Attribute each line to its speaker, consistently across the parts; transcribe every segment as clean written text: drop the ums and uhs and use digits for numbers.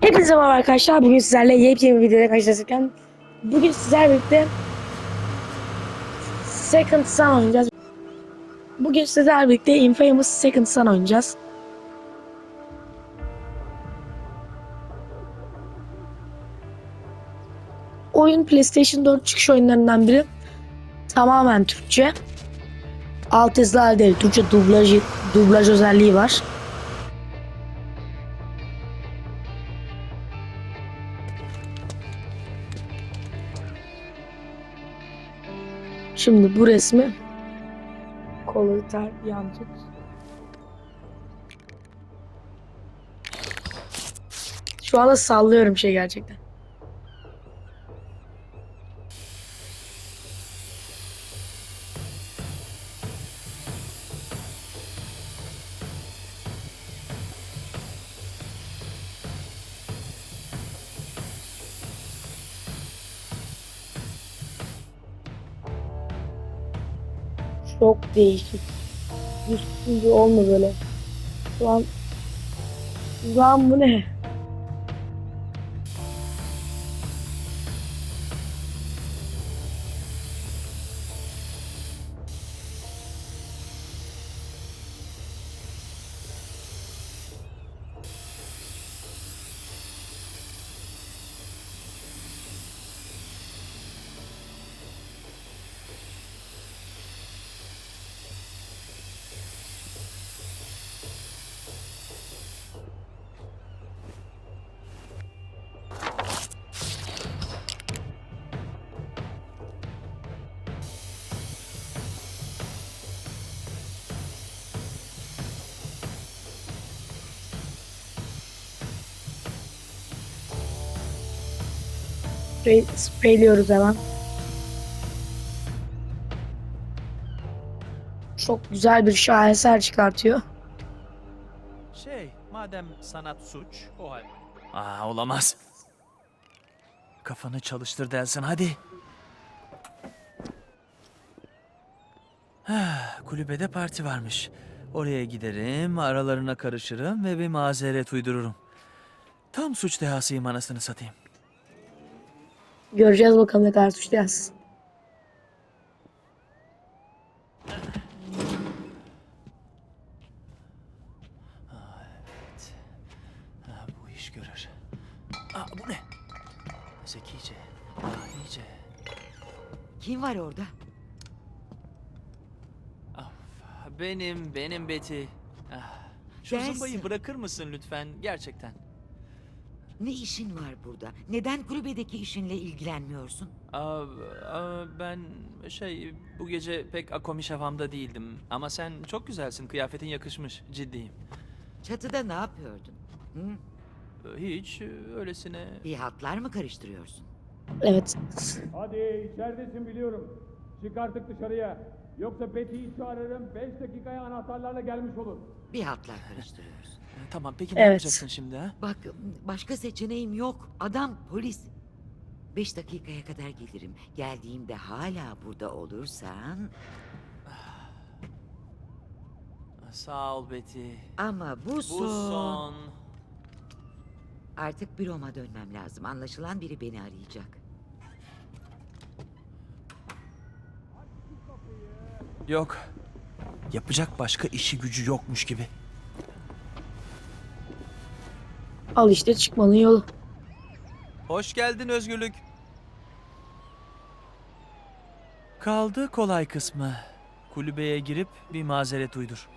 Speaker 1: Hepinize merhaba arkadaşlar. Bugün sizlerle yepyeni bir videoda karşılaşırken bugün sizlerle birlikte Second Son oynayacağız. Bugün sizlerle birlikte Infamous Second Son oynayacağız. Oyun PlayStation 4 çıkış oyunlarından biri. Tamamen Türkçe. Altyazılar değil, Türkçe dublaj özelliği var. Şimdi bu resmi kolu yan tut. Şu anda sallıyorum gerçekten. Çok değişik. Üstünde olma böyle. Şu an bu ne? Spreyliyoruz hemen. Çok güzel bir şaheser çıkartıyor.
Speaker 2: Madem sanat suç, o halde. Olamaz. Kafanı çalıştır Delsin, hadi. Kulübede parti varmış. Oraya giderim, aralarına karışırım ve bir mazeret uydururum. Tam suç dehasıyım, anasını satayım.
Speaker 1: Göreceğiz bakalım ne kadar suçlayacağız.
Speaker 2: Evet. Bu iş görür. Bu ne? Zekice, dahice.
Speaker 3: Kim var orada?
Speaker 2: Benim Betty. Şu
Speaker 3: Dersin.
Speaker 2: zımbayı bırakır mısın lütfen, gerçekten?
Speaker 3: Ne işin var burada? Neden kulübedeki işinle ilgilenmiyorsun?
Speaker 2: Ben bu gece pek akomiş havamda değildim. Ama sen çok güzelsin, kıyafetin yakışmış, ciddiyim.
Speaker 3: Çatıda ne yapıyordun? Hı?
Speaker 2: Hiç, öylesine...
Speaker 3: Bir hatlar mı karıştırıyorsun?
Speaker 1: Evet.
Speaker 4: Hadi içeridesin biliyorum. Çık artık dışarıya. Yoksa Betty'yi çağırırım. 5 dakikaya anahtarlarla gelmiş olur.
Speaker 3: Bir hatlar karıştırıyorsun.
Speaker 2: Tamam, peki ne
Speaker 1: Evet.
Speaker 2: yapacaksın şimdi ha?
Speaker 3: Bak, başka seçeneğim yok. Adam polis. 5 dakikaya kadar gelirim. Geldiğimde hala burada olursan...
Speaker 2: Sağ ol Betty.
Speaker 3: Ama bu
Speaker 2: Bu
Speaker 3: son...
Speaker 2: son...
Speaker 3: Artık büroma dönmem lazım. Anlaşılan biri beni arayacak.
Speaker 2: Yok. Yapacak başka işi gücü yokmuş gibi.
Speaker 1: Al işte çıkmanın yolu.
Speaker 2: Hoş geldin özgürlük. Kaldı kolay kısmı. Kulübeye girip bir mazeret uydur.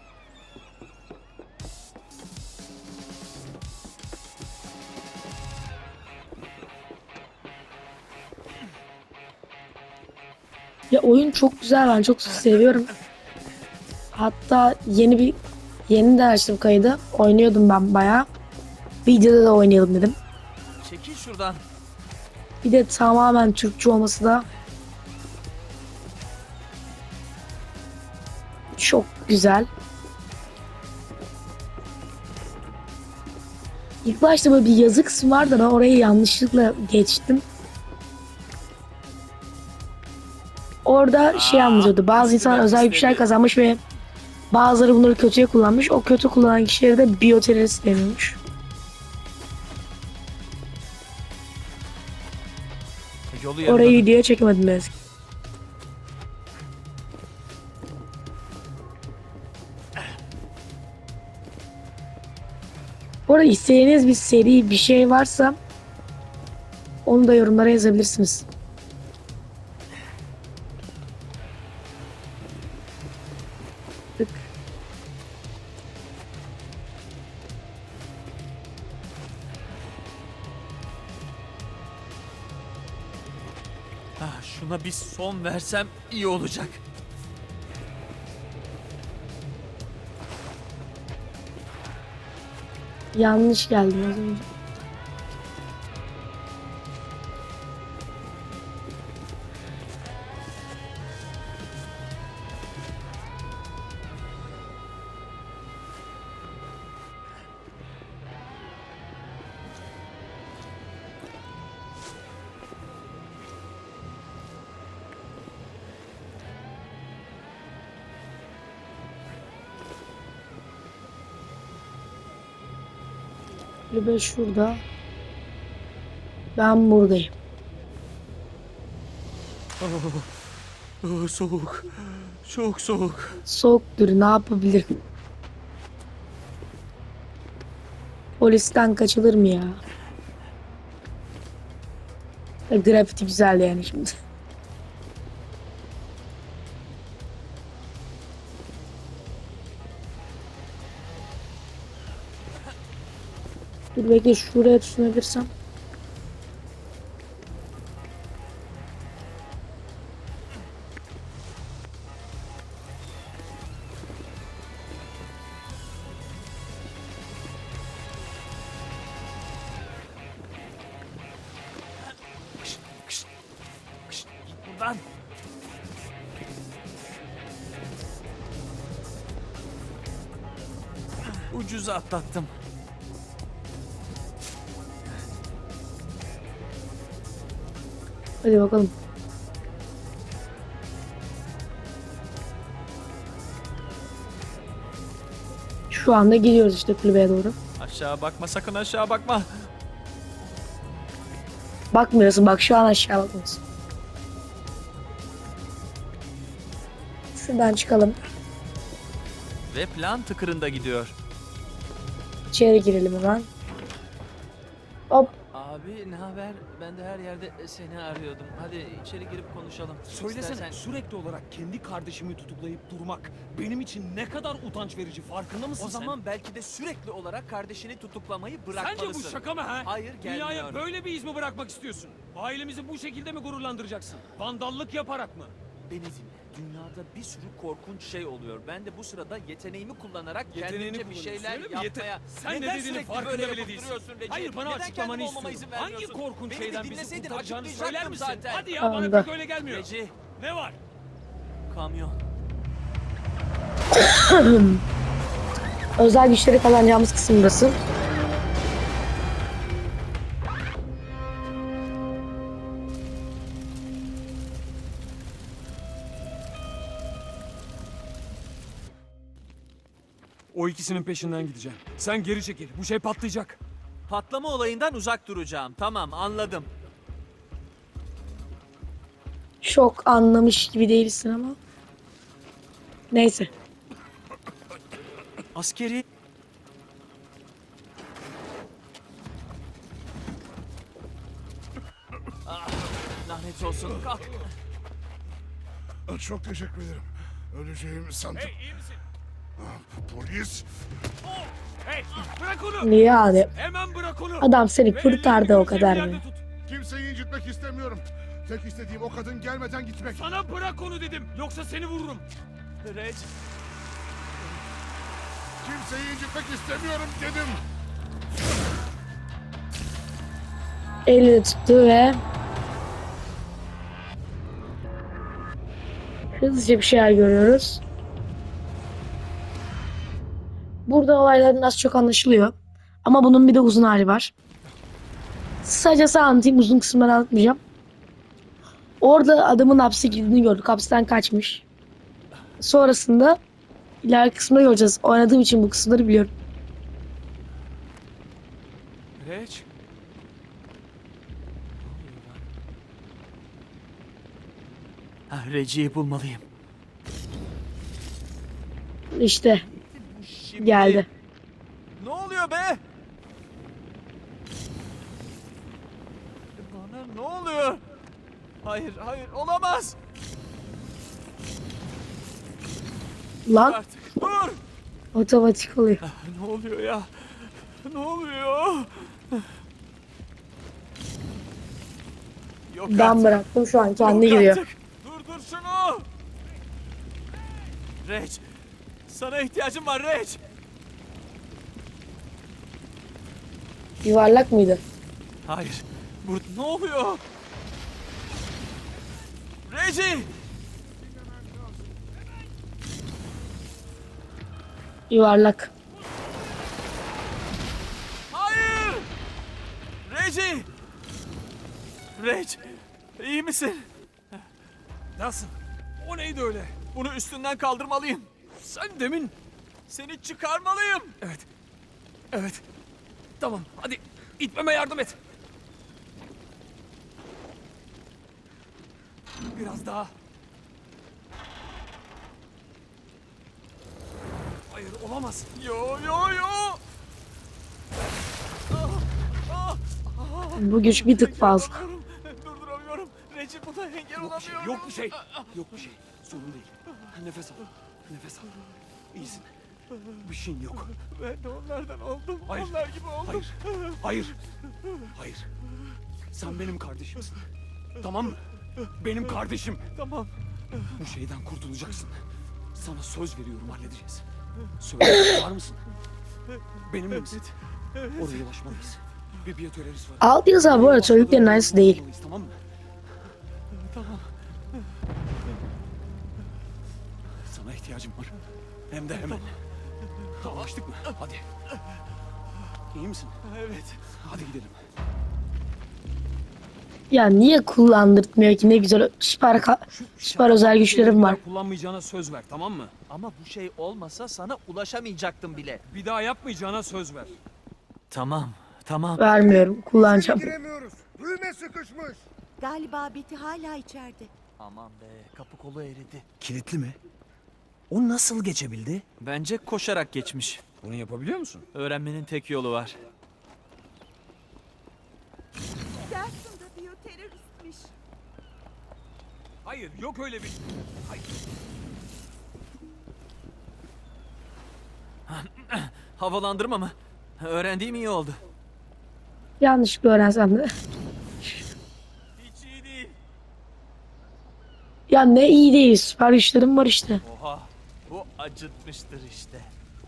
Speaker 1: Ya oyun çok güzel, ben çok seviyorum. Hatta yeni de açtım kaydı. Oynuyordum ben bayağı. Videoda da oynayalım dedim.
Speaker 2: Çekil şuradan.
Speaker 1: Bir de tamamen Türkçe olması da çok güzel. İlk başta böyle bir yazı kısmı vardı, ben orayı yanlışlıkla geçtim. Orada anlatıyordu. Bazı insanlar özel güçler kazanmış ve bazıları bunları kötüye kullanmış. O kötü kullanan kişilere de biyoterörist deniyormuş.
Speaker 2: Yolu
Speaker 1: Orayı
Speaker 2: yarıladım.
Speaker 1: videoya çekemedim ben. Bu arada istediğiniz bir seri bir şey varsa onu da yorumlara yazabilirsiniz. Tık.
Speaker 2: Şuna bir son versem iyi olacak.
Speaker 1: Yanlış geldim az önce. Kulübe şurada. Ben buradayım.
Speaker 2: Soğuk. Çok soğuk.
Speaker 1: Soğuktur, ne yapabilirim? Polisten kaçılır mı ya? Grafiti güzel yani şimdi. Dur bekle, şuraya tutunabilirsem.
Speaker 2: Git buradan. Ucuza atlattım.
Speaker 1: Hadi bakalım. Şu anda gidiyoruz işte kulübeye doğru.
Speaker 2: Aşağı bakma, sakın aşağı bakma.
Speaker 1: Bakmıyorsun, bak şu an aşağı bakmıyorsun. Şuradan çıkalım.
Speaker 2: Ve plan tıkırında gidiyor.
Speaker 1: İçeri girelim hemen. Hop.
Speaker 2: Abi ne haber? Ben de her yerde seni arıyordum. Hadi içeri girip konuşalım.
Speaker 5: Söylesene,
Speaker 2: İstersen-
Speaker 5: sürekli olarak kendi kardeşimi tutuklayıp durmak benim için ne kadar utanç verici, farkında mısın
Speaker 2: O zaman belki de sürekli olarak kardeşini tutuklamayı
Speaker 5: sen?
Speaker 2: bırakmalısın.
Speaker 5: Sence bu şaka mı ha?
Speaker 2: Hayır,
Speaker 5: Dünyaya
Speaker 2: gelmiyor.
Speaker 5: böyle bir iz mi bırakmak istiyorsun? Ailemizi bu şekilde mi gururlandıracaksın? Vandallık yaparak mı?
Speaker 2: Beni dinle. Dünyada bir sürü korkunç şey oluyor. Ben de bu sırada yeteneğimi kullanarak
Speaker 5: Yeteneğini
Speaker 2: kendimce bir
Speaker 5: kullanıyorsun,
Speaker 2: şeyler
Speaker 5: öyle mi?
Speaker 2: yapmaya...
Speaker 5: Sen ne
Speaker 2: Neden
Speaker 5: dediğinin
Speaker 2: sürekli
Speaker 5: farkında
Speaker 2: böyle
Speaker 5: bile
Speaker 2: yapıp
Speaker 5: değilsin.
Speaker 2: duruyorsun Recep?
Speaker 5: Hayır, bana
Speaker 2: Neden
Speaker 5: açıklamanı
Speaker 2: kendim olmama
Speaker 5: istiyorum.
Speaker 2: izin
Speaker 5: Hangi
Speaker 2: vermiyorsun?
Speaker 5: korkunç
Speaker 2: Beni bir
Speaker 5: şeyden bizi
Speaker 2: dinleseydin
Speaker 5: kurtaracağını
Speaker 2: açıklayacaktım
Speaker 5: söyler misin?
Speaker 2: zaten.
Speaker 5: Hadi ya,
Speaker 1: Anladım.
Speaker 5: bana pek öyle gelmiyor.
Speaker 2: Recep,
Speaker 5: Ne var?
Speaker 2: kamyon.
Speaker 1: Özel güçleri kullanacağımız kısım burası.
Speaker 5: O ikisinin peşinden gideceğim. Sen geri çekil. Bu şey patlayacak.
Speaker 2: Patlama olayından uzak duracağım. Tamam, anladım.
Speaker 1: Çok anlamış gibi değilsin ama. Neyse.
Speaker 2: Askeri... Ah, lanet olsun. Kalk.
Speaker 6: Çok teşekkür ederim. Öleceğimi sandım.
Speaker 5: iyi misin?
Speaker 6: Polis.
Speaker 5: Hey, bırak onu.
Speaker 1: Yani
Speaker 5: Hemen bırak onu.
Speaker 1: adam seni
Speaker 5: Ve
Speaker 1: kurtardı
Speaker 5: ellerini
Speaker 1: o kadar
Speaker 5: bir yerde
Speaker 1: mı?
Speaker 5: tut.
Speaker 6: Kimseyi incitmek istemiyorum. Tek istediğim o kadın gelmeden gitmek.
Speaker 5: Sana bırak onu dedim. Yoksa seni vururum.
Speaker 2: Reg,
Speaker 6: Kimseyi incitmek istemiyorum dedim.
Speaker 1: Elini tuttu ve hızlıca bir şeyler görüyoruz. Burada olayların az çok anlaşılıyor. Ama bunun bir de uzun hali var. Sadece sana anlatayım, uzun kısımları anlatmayacağım. Orada adamın hapse girdiğini gördük. Hapisten kaçmış. Sonrasında ileriki kısımda göreceğiz. Oynadığım için bu kısımları biliyorum.
Speaker 2: Reg. Reggie'yi bulmalıyım.
Speaker 1: İşte
Speaker 2: Şimdi...
Speaker 1: geldi.
Speaker 2: Ne oluyor be? Bana ne oluyor? Hayır, hayır, olamaz.
Speaker 1: Lan
Speaker 2: Artık dur.
Speaker 1: otomatik oluyor.
Speaker 2: Ne oluyor ya? Ne oluyor? Yok
Speaker 1: Ben
Speaker 2: artık.
Speaker 1: bıraktım, şu an kendi
Speaker 2: Yok
Speaker 1: gidiyor.
Speaker 2: artık. Dur şunu. Reg. Sana ihtiyacım var Reg.
Speaker 1: Yuvarlak mıydı?
Speaker 2: Hayır. Burada ne oluyor? Reggie!
Speaker 1: Yuvarlak.
Speaker 2: Hayır! Reggie! Reg, iyi misin?
Speaker 5: Nasıl? O neydi öyle?
Speaker 2: Bunu üstünden kaldırmalıyım.
Speaker 5: Sen demin...
Speaker 2: Seni çıkarmalıyım.
Speaker 5: Evet. Evet. Tamam hadi itmeme yardım et. Biraz daha. Hayır olamaz.
Speaker 2: Yo.
Speaker 1: Bu güç bir tık fazla.
Speaker 2: Durduramıyorum. Reggie buna engel
Speaker 5: Yok bir şey,
Speaker 2: olamıyorum.
Speaker 5: yok bir şey. Yok bir şey. Sorun değil. Nefes al. Nefes al. İyisin. Bir şeyin yok.
Speaker 2: Ben de onlardan oldum.
Speaker 5: Hayır.
Speaker 2: Onlar gibi oldum.
Speaker 5: Hayır. Hayır. Hayır. Sen benim kardeşimsin. Tamam mı? Benim kardeşim.
Speaker 2: Tamam.
Speaker 5: Bu şeyden kurtulacaksın. Sana söz veriyorum halledeceğiz. Söyle var mısın? Benimle misin? Oraya ulaşmalıyız. Bir biyotöreriz var.
Speaker 1: Alt yazı bu arada söylediklerin aynısı değil.
Speaker 5: Ulaşmalıyız, tamam mı?
Speaker 2: Tamam.
Speaker 5: Sana ihtiyacım var. Hem de hemen. Anlaştık mı? Hadi. İyi misin?
Speaker 2: Evet.
Speaker 5: Hadi gidelim.
Speaker 1: Ya niye kullandırtmıyor ki, ne güzel süper özel güçlerim var.
Speaker 5: Kullanmayacağına söz ver, tamam mı?
Speaker 2: Ama bu şey olmasa sana ulaşamayacaktım bile.
Speaker 5: Bir daha yapmayacağına söz ver.
Speaker 2: Tamam.
Speaker 1: Vermiyorum, kullanacağım.
Speaker 6: Giremiyoruz. Düğme sıkışmış.
Speaker 7: Galiba Betty hala içeride.
Speaker 2: Aman be, kapı kolu eridi.
Speaker 5: Kilitli mi? O nasıl geçebildi?
Speaker 2: Bence koşarak geçmiş.
Speaker 5: Bunu yapabiliyor musun?
Speaker 2: Öğrenmenin tek yolu var.
Speaker 7: Dersin de biyoteröristmiş.
Speaker 5: Hayır, yok öyle bir... Hayır.
Speaker 2: Havalandırma mı? Öğrendiğim iyi oldu.
Speaker 1: Yanlışlıkla öğrensem de.
Speaker 2: Hiç iyi değil.
Speaker 1: Ya ne iyi değil, süper güçlerim var işte.
Speaker 2: Oha, bu acıtmıştır işte.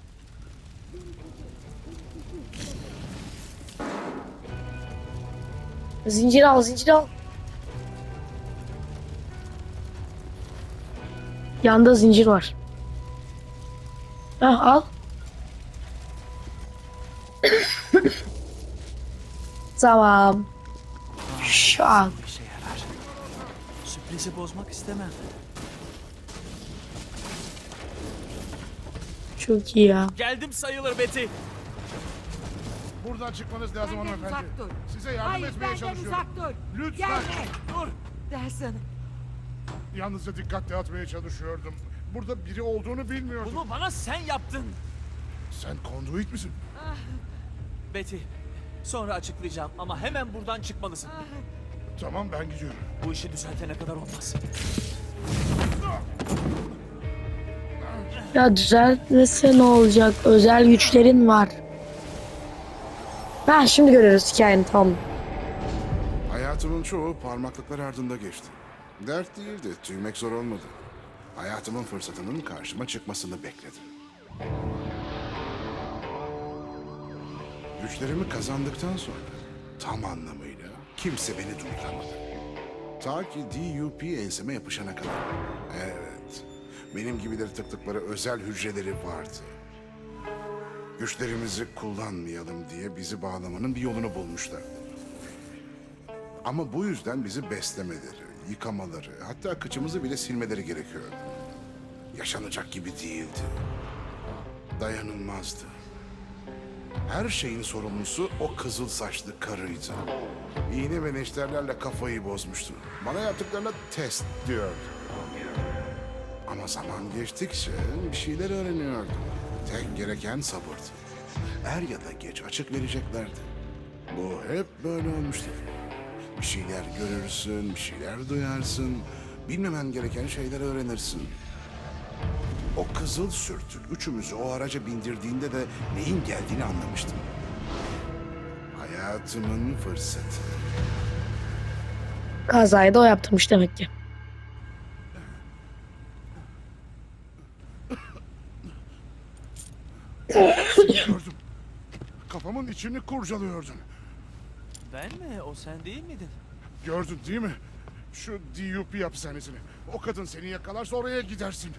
Speaker 1: Zincir al, zincir al. Yanda zincir var. Heh, al. Tamam. Şu an.
Speaker 2: Bir işe yarar. Sürprizi bozmak istemem.
Speaker 1: Çok iyi ya.
Speaker 2: Geldim sayılır Betty.
Speaker 6: Buradan çıkmanız lazım
Speaker 3: Benden
Speaker 6: hanımefendi.
Speaker 3: uzak dur.
Speaker 6: Size yardım
Speaker 3: Hayır
Speaker 6: etmeye
Speaker 3: benden
Speaker 6: çalışıyorum.
Speaker 3: uzak dur.
Speaker 6: Lütfen.
Speaker 3: Gelme.
Speaker 2: Dur.
Speaker 3: Dersin.
Speaker 6: Yalnızca dikkat dağıtmaya çalışıyordum. Burada biri olduğunu bilmiyordum.
Speaker 2: Bunu bana sen yaptın.
Speaker 6: Sen konduit misin?
Speaker 2: Betty, sonra açıklayacağım ama hemen buradan çıkmalısın.
Speaker 6: Tamam, ben gidiyorum.
Speaker 2: Bu işi düzeltene kadar olmaz.
Speaker 1: Ya düzeltmese ne olacak? Özel güçlerin var. Ha, şimdi görüyoruz hikayeni, tamam.
Speaker 6: Hayatımın çoğu parmaklıklar ardında geçti. Dert değildi, tüymek zor olmadı. Hayatımın fırsatının karşıma çıkmasını bekledim. Güçlerimi kazandıktan sonra tam anlamıyla kimse beni durduramadı. Ta ki DUP enseme yapışana kadar. Evet, benim gibileri tıktıkları özel hücreleri vardı. Güçlerimizi kullanmayalım diye bizi bağlamanın bir yolunu bulmuşlar. Ama bu yüzden bizi beslemeleri, yıkamaları, hatta kıçımızı bile silmeleri gerekiyordu. Yaşanacak gibi değildi. Dayanılmazdı. Her şeyin sorumlusu o kızıl saçlı karıydı. İğne ve neşterlerle kafayı bozmuştu. Bana yaptıklarına test diyordu. Ama zaman geçtikçe bir şeyler öğreniyordum. Tek gereken sabırdı. Er ya da geç açık vereceklerdi. Bu hep böyle olmuştur. Bir şeyler görürsün, bir şeyler duyarsın. Bilmemen gereken şeyler öğrenirsin. O kızıl sürtük üçümüzü o araca bindirdiğinde de neyin geldiğini anlamıştım. Hayatımın fırsatı.
Speaker 1: Kazayı da o yaptırmış demek ki.
Speaker 6: Gördüm. Kafamın içini kurcalıyordun.
Speaker 2: Ben mi? O sen değil miydin?
Speaker 6: Gördün değil mi? Şu DUP hapishanesini. O kadın seni yakalarsa oraya gidersin.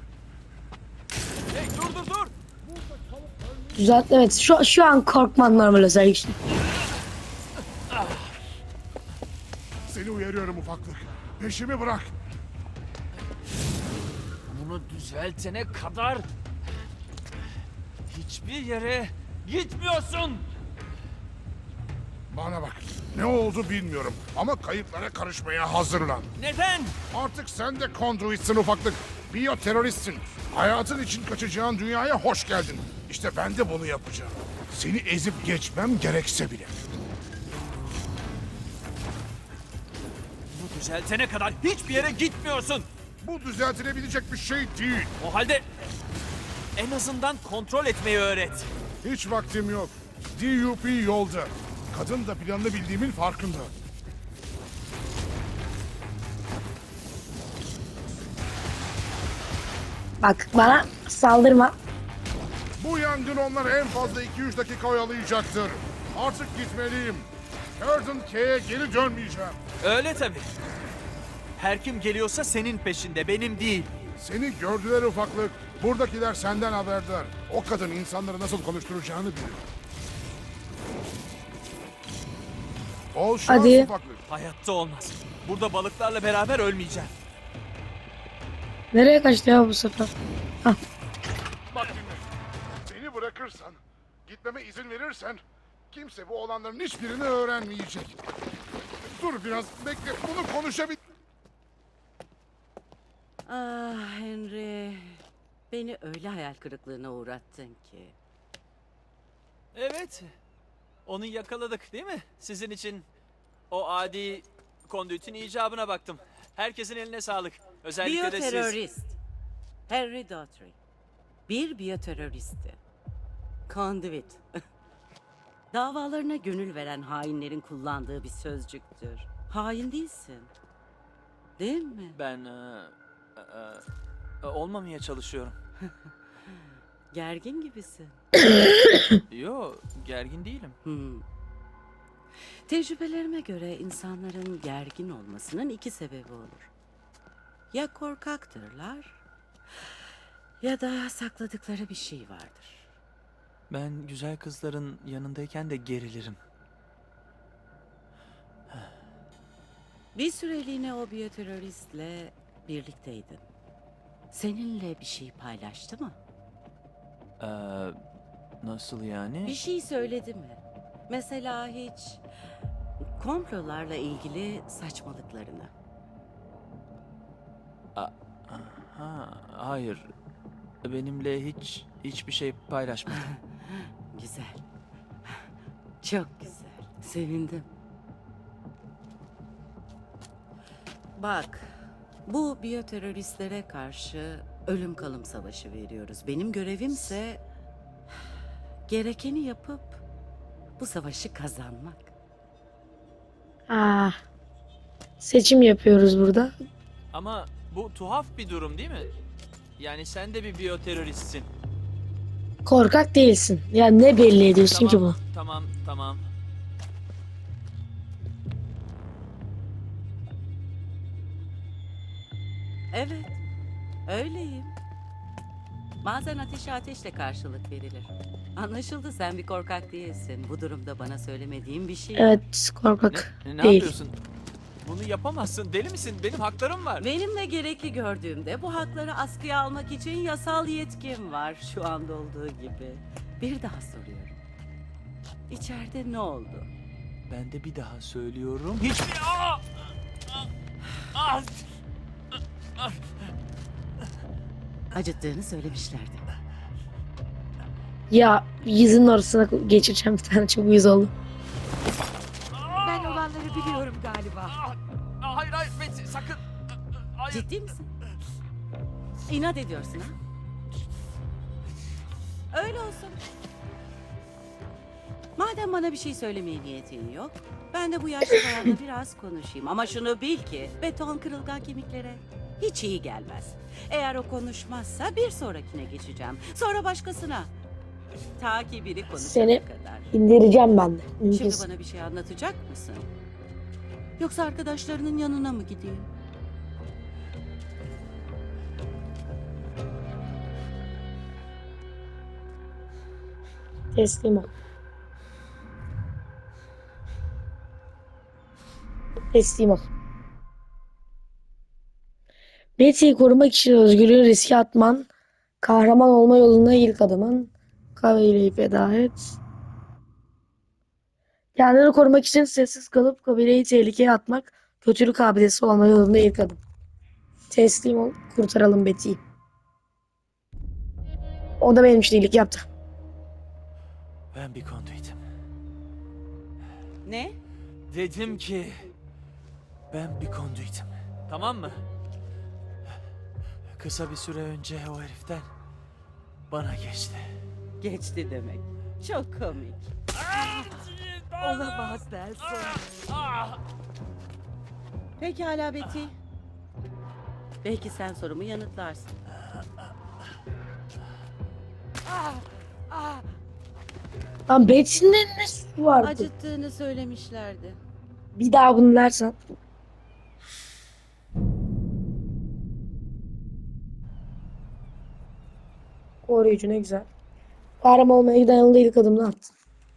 Speaker 2: Hey dur!
Speaker 1: Düzelt, evet, şu an korkman normal özellikle.
Speaker 6: Seni uyarıyorum ufaklık. Peşimi bırak.
Speaker 2: Bunu düzeltene kadar hiçbir yere gitmiyorsun.
Speaker 6: Bana bak. Ne oldu bilmiyorum ama kayıplara karışmaya hazırlan.
Speaker 2: Neden?
Speaker 6: Artık sen de konduitsin ufaklık. Biyoteröristsin. Hayatın için kaçacağın dünyaya hoş geldin. İşte ben de bunu yapacağım. Seni ezip geçmem gerekse bile.
Speaker 2: Bu düzeltene kadar hiçbir yere gitmiyorsun.
Speaker 6: Bu düzeltilebilecek bir şey değil.
Speaker 2: O halde en azından kontrol etmeyi öğret.
Speaker 6: Hiç vaktim yok. DUP yolda. Kadın da planını bildiğimin farkında.
Speaker 1: Bak, bana saldırma.
Speaker 6: Bu yangın onları en fazla 2-3 dakika oyalayacaktır. Artık gitmeliyim. Curtain K'ye geri dönmeyeceğim.
Speaker 2: Öyle tabii. Her kim geliyorsa senin peşinde, benim değil.
Speaker 6: Seni gördüler ufaklık. Buradakiler senden haberdar. O kadın insanları nasıl konuşturacağını biliyor. Bol şans
Speaker 1: Hadi.
Speaker 6: ufaklık.
Speaker 2: Hayatta olmaz. Burada balıklarla beraber ölmeyeceğim.
Speaker 1: Nereye kaçtı ya bu sefer?
Speaker 6: Bak dinle. Beni bırakırsan, gitmeme izin verirsen kimse bu olanların hiçbirini öğrenmeyecek. Dur biraz bekle, bunu konuşabil...
Speaker 8: Ah Henry, beni öyle hayal kırıklığına uğrattın ki.
Speaker 2: Evet. Onu yakaladık değil mi? Sizin için o adi kondüitin icabına baktım. Herkesin eline sağlık. Özellikle de siz.
Speaker 8: Biyoterörist. Henry Daughtry. Bir biyoteröristti. Conduit. Davalarına gönül veren hainlerin kullandığı bir sözcüktür. Hain değilsin. Değil mi?
Speaker 2: Ben olmamaya çalışıyorum.
Speaker 8: Gergin gibisin.
Speaker 2: Yo, gergin değilim.
Speaker 8: Tecrübelerime göre insanların gergin olmasının iki sebebi olur. Ya korkaktırlar ya da sakladıkları bir şey vardır.
Speaker 2: Ben güzel kızların yanındayken de gerilirim.
Speaker 8: Bir süreliğine o biyoteröristle birlikteydin. Seninle bir şey paylaştı mı?
Speaker 2: Nasıl yani?
Speaker 8: Bir şey söyledi mi? Mesela hiç komplolarla ilgili saçmalıklarını.
Speaker 2: Ha, hayır. Benimle hiçbir şey paylaşmadı.
Speaker 8: Güzel. Çok güzel. Sevindim. Bak, bu biyoteröristlere karşı ölüm kalım savaşı veriyoruz. Benim görevimse gerekeni yapıp bu savaşı kazanmak.
Speaker 1: Seçim yapıyoruz burada.
Speaker 2: Ama bu tuhaf bir durum değil mi? Yani sen de bir biyoteröristsin.
Speaker 1: Korkak değilsin. Ya ne belli ediyorsun ki bu?
Speaker 2: Tamam.
Speaker 8: Evet, öyleyim. Bazen ateşe ateşle karşılık verilir. Anlaşıldı, sen bir korkak değilsin. Bu durumda bana söylemediğin bir şey var.
Speaker 1: Evet, korkak
Speaker 2: Ne
Speaker 1: değil.
Speaker 2: yapıyorsun? Bunu yapamazsın. Deli misin? Benim haklarım var.
Speaker 8: Benimle gerekli gördüğümde bu hakları askıya almak için yasal yetkim var şu anda olduğu gibi. Bir daha soruyorum. İçeride ne oldu?
Speaker 2: Ben de bir daha söylüyorum. Hiçbir... Aa!
Speaker 8: Acıttığını söylemişlerdi.
Speaker 1: Ya yüzünün ortasına geçireceğim bir tane, çok uyuz oldu.
Speaker 3: Ben olanları biliyorum galiba.
Speaker 2: Hayır hayır Betsy sakın. Hayır.
Speaker 8: Ciddi misin? İnat ediyorsun ha? Öyle olsun. Madem bana bir şey söylemeye niyetin yok, ben de bu yaşlı bayanla biraz konuşayım. Ama şunu bil ki beton kırılgan kemiklere hiç iyi gelmez. Eğer o konuşmazsa bir sonrakine geçeceğim. Sonra başkasına. Ta ki biri konuşana
Speaker 1: Seni
Speaker 8: kadar.
Speaker 1: indireceğim ben de.
Speaker 8: Şimdi
Speaker 1: Mümkünse.
Speaker 8: bana bir şey anlatacak mısın? Yoksa arkadaşlarının yanına mı gideyim?
Speaker 1: Teslim ol. Teslim ol. Betty'yi korumak için özgürlüğü riske atman, kahraman olma yolunda ilk adımın. Kabileyi feda et. Kendini korumak için sessiz kalıp kabileyi tehlikeye atmak, kötülük abidesi olma yolunda ilk adım. Teslim ol, kurtaralım Betty'yi. O da benim için iyilik yaptı.
Speaker 2: Ben bir konduitim.
Speaker 8: Ne?
Speaker 2: Dedim ki ben bir konduitim. Tamam mı? Kısa bir süre önce o heriften bana geçti.
Speaker 8: Geçti demek. Çok komik.
Speaker 3: Olamaz Nelson.
Speaker 8: Pekala Betty. Belki sen sorumu yanıtlarsın.
Speaker 1: Lan Betty'nin ne suçu vardı?
Speaker 8: Acıttığını söylemişlerdi.
Speaker 1: Bir daha bunu dersen. Koruyucu ne güzel. Kahraman olmaya giden yolda ilk adımını attın.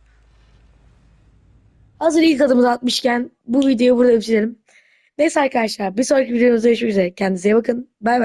Speaker 1: Hazır ilk adımını atmışken bu videoyu burada bitirelim. Neyse arkadaşlar, bir sonraki videomuzda görüşmek üzere. Kendinize iyi bakın. Bay bay.